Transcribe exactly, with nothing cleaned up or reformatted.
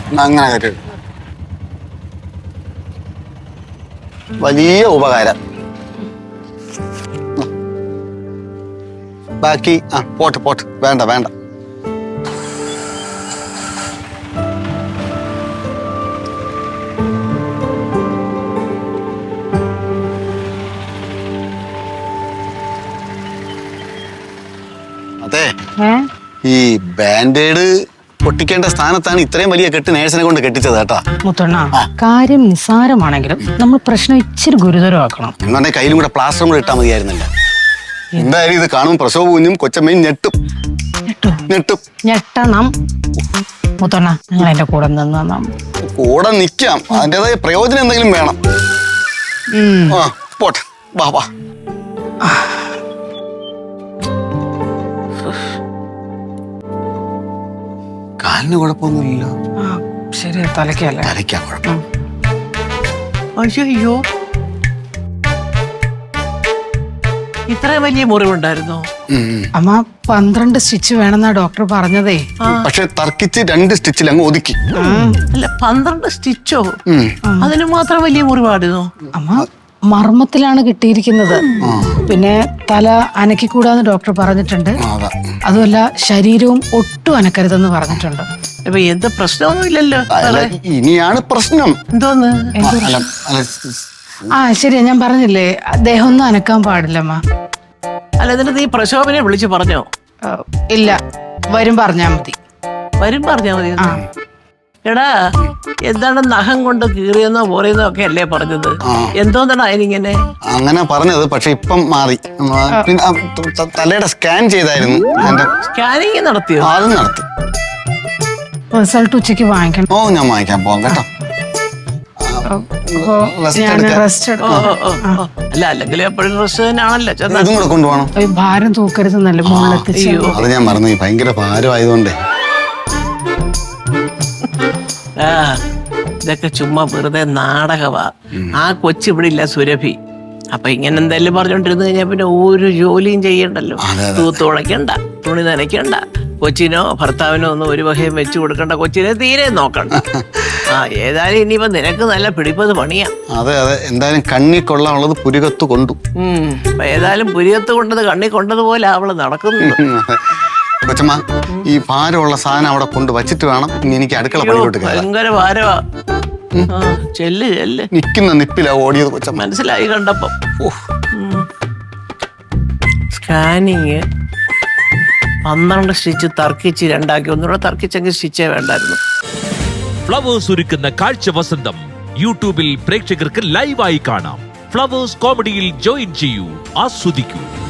അങ്ങനെ കയറ്റി വലിയ ഉപകാരം. ബാക്കി ആ പോട്ട് പോട്ട് വേണ്ട വേണ്ട. അതെ, ഈ ബാൻഡേഡ് പൊട്ടിക്കേണ്ട സ്ഥാനത്താണ് ഇത്രയും വലിയ കെട്ട് നേഴ്സിനെ കൊണ്ട് കെട്ടിച്ചത് കേട്ടാ. മുത്തണ്ണ, കാര്യം നിസ്സാരമാണെങ്കിലും നമ്മൾ പ്രശ്നം ഇച്ചിരി ഗുരുതരമാക്കണം. എന്നെ കയ്യിലും കൂടെ പ്ലാസ്റ്ററും കൂടെ ഇട്ടാൽ മതിയായിരുന്നില്ല. എന്തായാലും ഇത് കാണും പ്രസവ കുഞ്ഞും കൊച്ചമ്മയും ഞെട്ടും ഞെട്ടും ഞെട്ടണം. മുത്തണ്ണ, നിങ്ങൾ എന്റെ കൂടെ നിന്ന് കൂടെ നിക്കാം. അതിൻ്റെതായ പ്രയോജനം എന്തെങ്കിലും വേണം. ആ പോട്ടെ, വാ വാ. കാലിന് കുഴപ്പമൊന്നുമില്ല. ശരി, തലയ്ക്കല്ലേ? തലയ്ക്കാ കുഴപ്പം. അയ്യോ, ഇത്ര വലിയ മുറിവുണ്ടായിരുന്നോ? അമ്മ പന്ത്രണ്ട് സ്റ്റിച്ച് വേണമെന്നാ ഡോക്ടർ പറഞ്ഞതേ. പക്ഷെ തർക്കിച്ച് രണ്ട് സ്റ്റിച്ചിൽ അങ്ങ് ഒതുക്കി. അല്ല, പന്ത്രണ്ട് സ്റ്റിച്ചോ? അതിന് മാത്രം വലിയ മുറിവായിരുന്നു? അമ്മ മർമ്മത്തിലാണ് കിട്ടിയിരിക്കുന്നത്. പിന്നെ തല അനക്കിക്കൂടാന്ന് ഡോക്ടർ പറഞ്ഞിട്ടുണ്ട്. അതുമല്ല ശരീരവും ഒട്ടും അനക്കരുതെന്ന് പറഞ്ഞിട്ടുണ്ട്. ഇപ്പൊ എന്ത് പ്രശ്നമൊന്നും ഇല്ലല്ലോ. ഇനിയാണ് പ്രശ്നം. എന്തോന്ന്? ആ ശരിയാ, ഞാൻ പറഞ്ഞില്ലേ അദ്ദേഹം ഒന്നും അനക്കാൻ പാടില്ലമ്മ. അല്ല, എന്നിട്ട് നീ പ്രശോഭനെ വിളിച്ചു പറഞ്ഞോ? ഇല്ല, വരും പറഞ്ഞാ മതി. വരും പറഞ്ഞാ മതി. എടാ, എന്താണ് നഖം കൊണ്ട് കീറിയെന്നോ പോറിയെന്നോ ഒക്കെ അല്ലേ പറഞ്ഞത്? എന്തോന്നാണ് അതിനിങ്ങനെ? അങ്ങനെ പറഞ്ഞത്, പക്ഷെ ഇപ്പം മാറി. പിന്നെ തലയുടെ സ്കാൻ ചെയ്തായിരുന്നു. സ്കാനിങ് നടത്തിയോ? അതും നടത്തി. റിസൾട്ട് ഉച്ചക്ക് വാങ്ങിക്കണം. ഓ, ഞാൻ വാങ്ങിക്കാൻ പോകാം കേട്ടോ. അല്ല, അല്ലെങ്കിൽ എപ്പോഴും റെസ്റ്റ് തന്നെയാണല്ലോ. ഇതും കൂടെ കൊണ്ടുപോകണം. ഭാരം തൂക്കരുതെന്നല്ലേ മുകളിലെത്തിച്ചു. അത് ഞാൻ മറന്നു, ഭയങ്കര ഭാരമായതുകൊണ്ടേ. ആ, ഇതൊക്കെ ചുമ്മാ വെറുതെ നാടകവാ. ആ കൊച്ചു ഇവിടെ ഇല്ല, സുരഭി. അപ്പൊ ഇങ്ങനെ എന്തായാലും പറഞ്ഞോണ്ടിരുന്നു കഴിഞ്ഞാൽ പിന്നെ ഒരു ജോലിയും ചെയ്യണ്ടല്ലോ. തൂത്ത് ഉടയ്ക്കണ്ട, തുണി നനയ്ക്കണ്ട, കൊച്ചിനോ ഭർത്താവിനോ ഒന്നും ഒരു വകയും വെച്ചു കൊടുക്കണ്ട, കൊച്ചിനെ തീരെ നോക്കണ്ട. ആ, ഏതായാലും ഇനിയിപ്പോ നിനക്ക് നല്ല പിടിപ്പത് പണിയാ. അതെ അതെ, എന്തായാലും കണ്ണി കൊള്ളാനുള്ളത് പുരികത്ത് കൊണ്ടു. ഉം അപ്പൊ ഏതായാലും പുരികത്ത് കൊണ്ടത് കണ്ണി കൊണ്ടതുപോലെ അവള് നടക്കുന്നത്. കൊച്ചമ്മ, ഈ ഭാരമുള്ള സാധനം അവിടെ കൊണ്ട് വച്ചിട്ട് വേണം ഇനി എനിക്ക് അടുക്കള പണിയിലോട്ട്. ഭയങ്കര ഭാരമാ. ചെല്ല് ചെല്ല്. നിക്കുന്ന നിപ്പിലാ ഓടിയത് കൊച്ചമ്മ. മനസ്സിലായി കണ്ടപ്പോ. സ്കാനിങ് പന്ത്രണ്ട് സ്റ്റിച്ച് തർക്കിച്ച് രണ്ടാക്കി. ഒന്നുകൂടെ തർക്കിച്ചെങ്കിൽ സ്റ്റിച്ചേ വേണ്ടായിരുന്നു. ഫ്ലവേഴ്സ് ഒരുക്കുന്ന കാഴ്ച വസന്തം യൂട്യൂബിൽ പ്രേക്ഷകർക്ക് ലൈവായി കാണാം. ഫ്ലവേഴ്സ് കോമഡിയിൽ ജോയിൻ ചെയ്യൂ, ആസ്വദിക്കൂ.